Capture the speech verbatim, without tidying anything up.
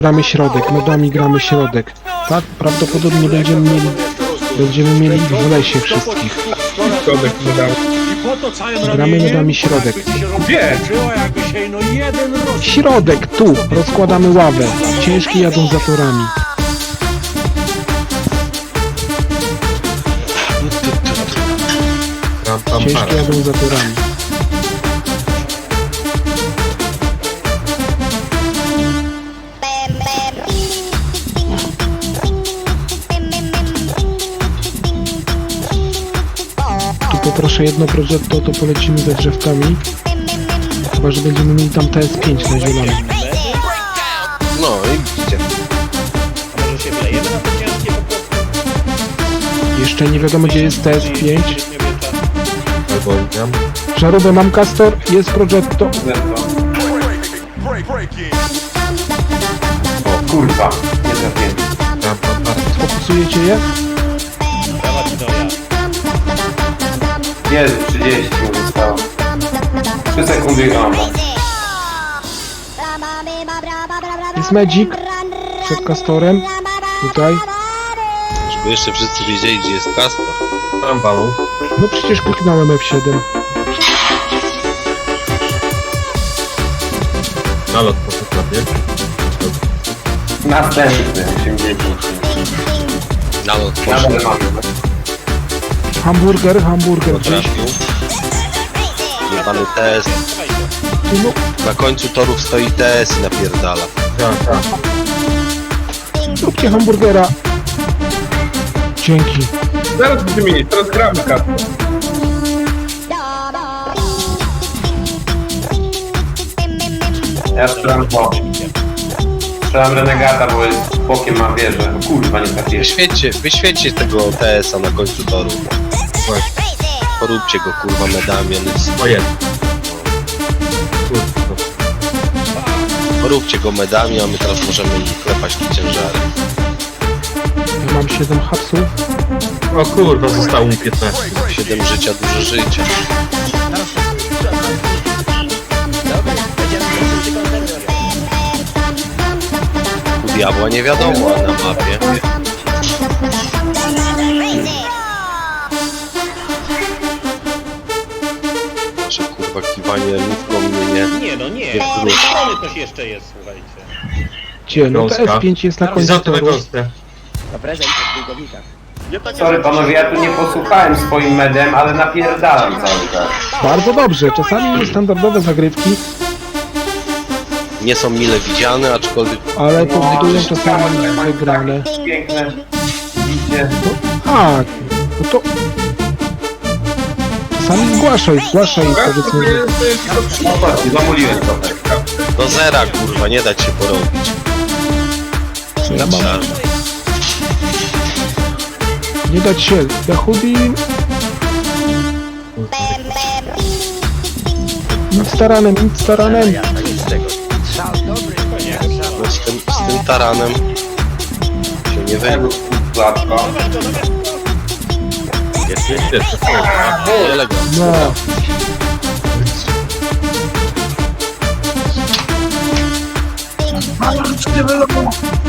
Gramy środek, medami gramy środek. Tak, prawdopodobnie będziemy mieli, będziemy mieli ich w lesie wszystkich. Środek medami. Gramy medami środek. Gdzie? Środek, tu, rozkładamy ławę. Ciężkie jadą za torami. Ram, pam, Ciężkie para. jadą za torami. Tu poproszę jedno progetto, to polecimy za drzewkami. Chyba, że będziemy mieli tam T S pięć na zielono. No i widzicie. A może się wlejemy na te ciężkie po prostu? Jeszcze nie wiadomo, gdzie jest T S pięć. Albo tam. Żarówę mam, Castor, jest progetto. O kurwa, nie trafiłem. Ram, pam, para. Fokusujecie je? Dawać to ja. Jezu, trzydzieści mi zostało. trzy sekundy i mam. Jest Magic przed Castorem. Tutaj. Żeby jeszcze wszyscy wiedzieli, gdzie jest Castor. Ram, balon. No przecież kliknąłem F siedem. Nalot poszedł na bieg. Następny, osiemdziesiąt. Nalot Nadal poszedł. mamy. Hamburger, hamburger gdzieś. Trafił. Jebany T S. Tu, no, Na końcu torów stoi T S i napierdala. Tak, tak. zróbcie hamburgera. Dzięki. Zaraz będziemy mieć, teraz gramy kartę. Ja strzelam po. Strzelam renegata, bo jest bokiem ma wieżę. O kurwa, nie trafiłem. Wyświećcie, wyświećcie tego T S a na końcu toru. Właśnie. Poróbcie go kurwa medami, on jest... O jest. Kurwa. Poróbcie go medami, a my teraz możemy klepać te ciężary. Ja mam siedem hapsów. O kurwa, zostało mi piętnaście. siedem życia, dużo życia. U diabła nie wiadomo na mapie. Nasze kurwa kiwanie lówką mnie nie... Nie no nie, Jest z tej gruz. strony coś jeszcze jest, słuchajcie. Gdzie? No T S pięć jest na końcu Izotę na toru. gąskę. Sorry panowie, ja tu nie posłuchałem swoim medem, ale napierdalam cały czas. Bardzo dobrze. Czasami standardowe zagrywki, Nie są mile widziane, aczkolwiek ale powodują czasami wygrane. Piękne. Widzicie? A, no to... Czasami zgłaszaj, zgłaszaj powiedzmy, że... No patrzcie, zamuliłem trochę. do zera kurwa, nie dać się porobić. Co ja mam? Czarno. Nie dać się. Yahudi... Nic taranem, nic taranem. No z tym, z tym taranem się nie wyjdzie. Gładko. Jest, jest, jest. Elegancko. No.